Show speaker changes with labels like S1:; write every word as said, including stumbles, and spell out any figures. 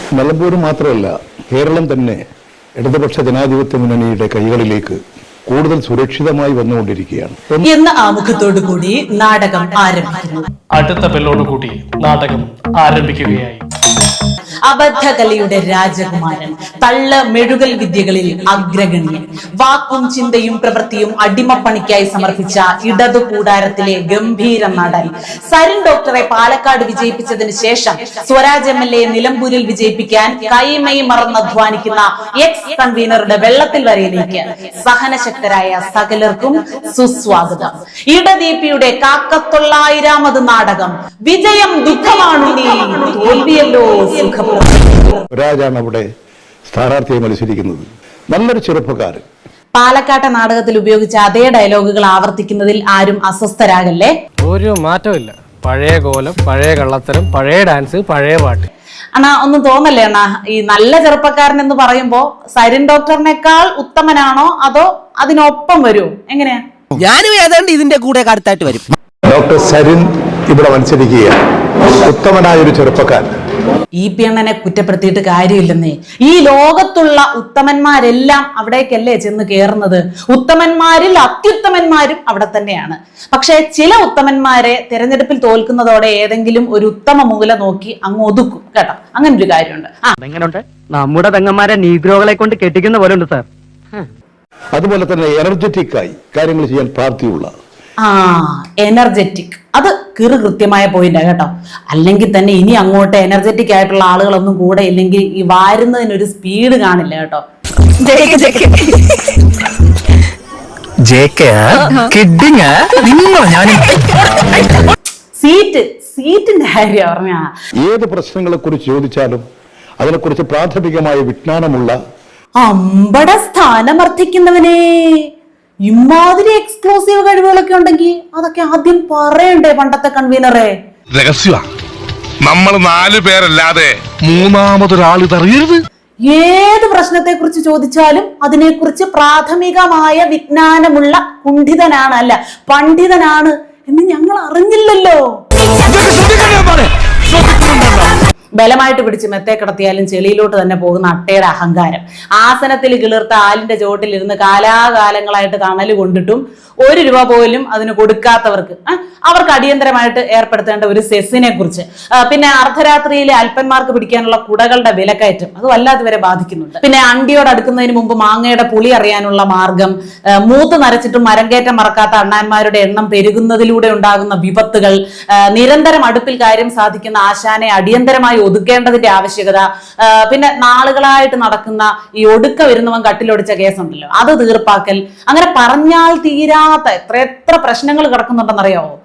S1: നിലമ്പൂർ മാത്രമല്ല, കേരളം തന്നെ ഇടതുപക്ഷ ജനാധിപത്യ മുന്നണിയുടെ കൈകളിലേക്ക് കൂടുതൽ സുരക്ഷിതമായി വന്നുകൊണ്ടിരിക്കുകയാണ്
S2: എന്ന ആമുഖത്തോടു കൂടി നാടകം ആരംഭിക്കുന്നു.
S3: അടുത്ത ബെല്ലോടുകൂടി നാടകം ആരംഭിക്കുകയായി.
S2: അബദ്ധകലയുടെ രാജകുമാരൻ, തള്ള മെഴുകൽ വിദ്യകളിൽ അഗ്രഗണ്യൻ, വാക്കും ചിന്തയും പ്രവൃത്തിയും അടിമപ്പണിക്കായി സമർപ്പിച്ച ഇടതു കൂടാരത്തിലെ ഗംഭീര നടൻ സരിൻ ഡോക്ടറെ പാലക്കാട് വിജയിപ്പിച്ചതിന് ശേഷം സ്വരാജ് എം എൽ എ നിലമ്പൂരിൽ വിജയിപ്പിക്കാൻ കൈമൈ മറന്നധ്വാനിക്കുന്ന എക്സ് കൺവീനറുടെ വെള്ളത്തിൽ വരയിലേക്ക് സഹനശക്തരായ സകലർക്കും സുസ്വാഗതം. ഇടദീപിയുടെ കാക്കത്തൊള്ളായിരാമത് നാടകം വിജയം ദുഃഖമാണുണ്ണി, തോൽവിയല്ലോ സുഖം.
S1: രാജാണ് അവിടെ സ്ഥാനാർത്ഥിയെ മത്സരിക്കുന്നത്. നല്ലൊരു ചെറുപ്പക്കാരൻ.
S2: പാലക്കാട്ടെ നാടകത്തിൽ ഉപയോഗിച്ച അതേ ഡയലോഗുകൾ ആവർത്തിക്കുന്നതിൽ ആരും അസ്വസ്ഥരാകല്ലേ.
S4: ഒരു മാറ്റമില്ല. പഴയ കോലം, പഴയ കള്ളത്തരം, പഴയ ഡാൻസ്, പഴയ പാട്ട്.
S2: അണ്ണാ ഒന്നും തോന്നല്ലേ അണ്ണാ, ഈ നല്ല ചെറുപ്പക്കാരൻ എന്ന് പറയുമ്പോ സരിൻ ഡോക്ടറിനേക്കാൾ ഉത്തമനാണോ അതോ അതിനൊപ്പം വരുമോ? എങ്ങനെയാ?
S5: ഞാനും ഏതാണ്ട് ഇതിന്റെ കൂടെ അടുത്തായിട്ട് വരും.
S1: ഡോക്ടർ സരിൻ ഇവിടെ മത്സരിക്കുകയാണ്. ഉത്തമനായൊരു ചെറുപ്പക്കാരൻ.
S2: ഈ പി അണ്ണനെ കുറ്റപ്പെടുത്തിയിട്ട് കാര്യമില്ലെന്നേ. ഈ ലോകത്തുള്ള ഉത്തമന്മാരെല്ലാം അവിടേക്കല്ലേ ചെന്ന് കയറുന്നത്. ഉത്തമന്മാരിൽ അത്യുത്തമന്മാരും അവിടെ തന്നെയാണ്. പക്ഷെ ചില ഉത്തമന്മാരെ തെരഞ്ഞെടുപ്പിൽ തോൽക്കുന്നതോടെ ഏതെങ്കിലും ഒരു ഉത്തമ മൂല നോക്കി അങ്ങ് ഒതുക്കും കേട്ടോ. അങ്ങനെ ഒരു കാര്യമുണ്ട്.
S6: എങ്ങനെയുണ്ട് നമ്മുടെ പെങ്ങന്മാരെ നീഗ്രോകളെ കൊണ്ട് കെട്ടിക്കുന്ന പോലെ ഉണ്ട് സാർ.
S1: അതുപോലെ തന്നെ എനർജറ്റിക് ആയി കാര്യങ്ങൾ ചെയ്യാൻ പ്രാപ്തിയുള്ള
S2: ആ എനർജറ്റിക്, അത് കിറു കൃത്യമായ പോയിന്റാ കേട്ടോ. അല്ലെങ്കിൽ തന്നെ ഇനി അങ്ങോട്ട് എനർജറ്റിക് ആയിട്ടുള്ള ആളുകളൊന്നും കൂടെ ഇല്ലെങ്കിൽ ഈ വാരുന്നതിനൊരു സ്പീഡ് കാണില്ല കേട്ടോ. സീറ്റ് സീറ്റിന്റെ കാര്യം പറഞ്ഞ
S1: ഏത് പ്രശ്നങ്ങളെ കുറിച്ച് ചോദിച്ചാലും അതിനെക്കുറിച്ച് പ്രാഥമികമായ വിജ്ഞാനമുള്ള
S2: അമ്പട സ്ഥാനമർത്ഥിക്കുന്നവനെ. ഇമാതിരി എക്സ്ക്ലൂസീവ് കഴിവുകളൊക്കെ ഉണ്ടെങ്കിൽ അതൊക്കെ ആദ്യം പറയണ്ടേ പണ്ടത്തെ കൺവീനറെ?
S7: രഹസ്യ നമ്മൾ നാലു പേരല്ലാതെ മൂന്നാമതൊരാൾ ഇതറിയരുത്.
S2: ഏത് പ്രശ്നത്തെ കുറിച്ച് ചോദിച്ചാലും അതിനെക്കുറിച്ച് പ്രാഥമികമായ വിജ്ഞാനമുള്ള കുണ്ഠിതനാണ്, അല്ല പണ്ഡിതനാണ് എന്ന് ഞങ്ങൾ അറിഞ്ഞില്ലല്ലോ. ബലമായിട്ട് പിടിച്ച് മെത്തേ കിടത്തിയാലും ചെളിയിലോട്ട് തന്നെ പോകുന്ന അട്ടയുടെ അഹങ്കാരം. ആസനത്തിൽ കിളിർത്ത ആലിന്റെ ചോട്ടിലിരുന്ന് കാലാകാലങ്ങളായിട്ട് തണല് കൊണ്ടിട്ടും ഒരു രൂപ പോലും അതിന് കൊടുക്കാത്തവർക്ക് അവർക്ക് അടിയന്തരമായിട്ട് ഏർപ്പെടുത്തേണ്ട ഒരു സെസ്സിനെ കുറിച്ച്, പിന്നെ അർദ്ധരാത്രിയിലെ അല്പന്മാർക്ക് പിടിക്കാനുള്ള കുടകളുടെ വിലക്കയറ്റം, അത് വല്ലാതെ വരെ ബാധിക്കുന്നുണ്ട്. പിന്നെ അണ്ടിയോട് അടുക്കുന്നതിന് മുമ്പ് മാങ്ങയുടെ പുളി അറിയാനുള്ള മാർഗം, മൂത്ത് നരച്ചിട്ടും മരം കയറ്റം മറക്കാത്ത അണ്ണാന്മാരുടെ എണ്ണം പെരുകുന്നതിലൂടെ ഉണ്ടാകുന്ന വിപത്തുകൾ, നിരന്തരം അടുപ്പിൽ കാര്യം സാധിക്കുന്ന ആശാനെ അടിയന്തരമായി ഒതുക്കേണ്ടതിന്റെ ആവശ്യകത, പിന്നെ നാളുകളായിട്ട് നടക്കുന്ന ഈ ഒടുക്ക വരുന്നവൻ കട്ടിലൊടിച്ച കേസുണ്ടല്ലോ അത് തീർപ്പാക്കൽ, അങ്ങനെ പറഞ്ഞാൽ തീരാത്ത എത്ര എത്ര പ്രശ്നങ്ങൾ കിടക്കുന്നുണ്ടെന്നറിയാവോ?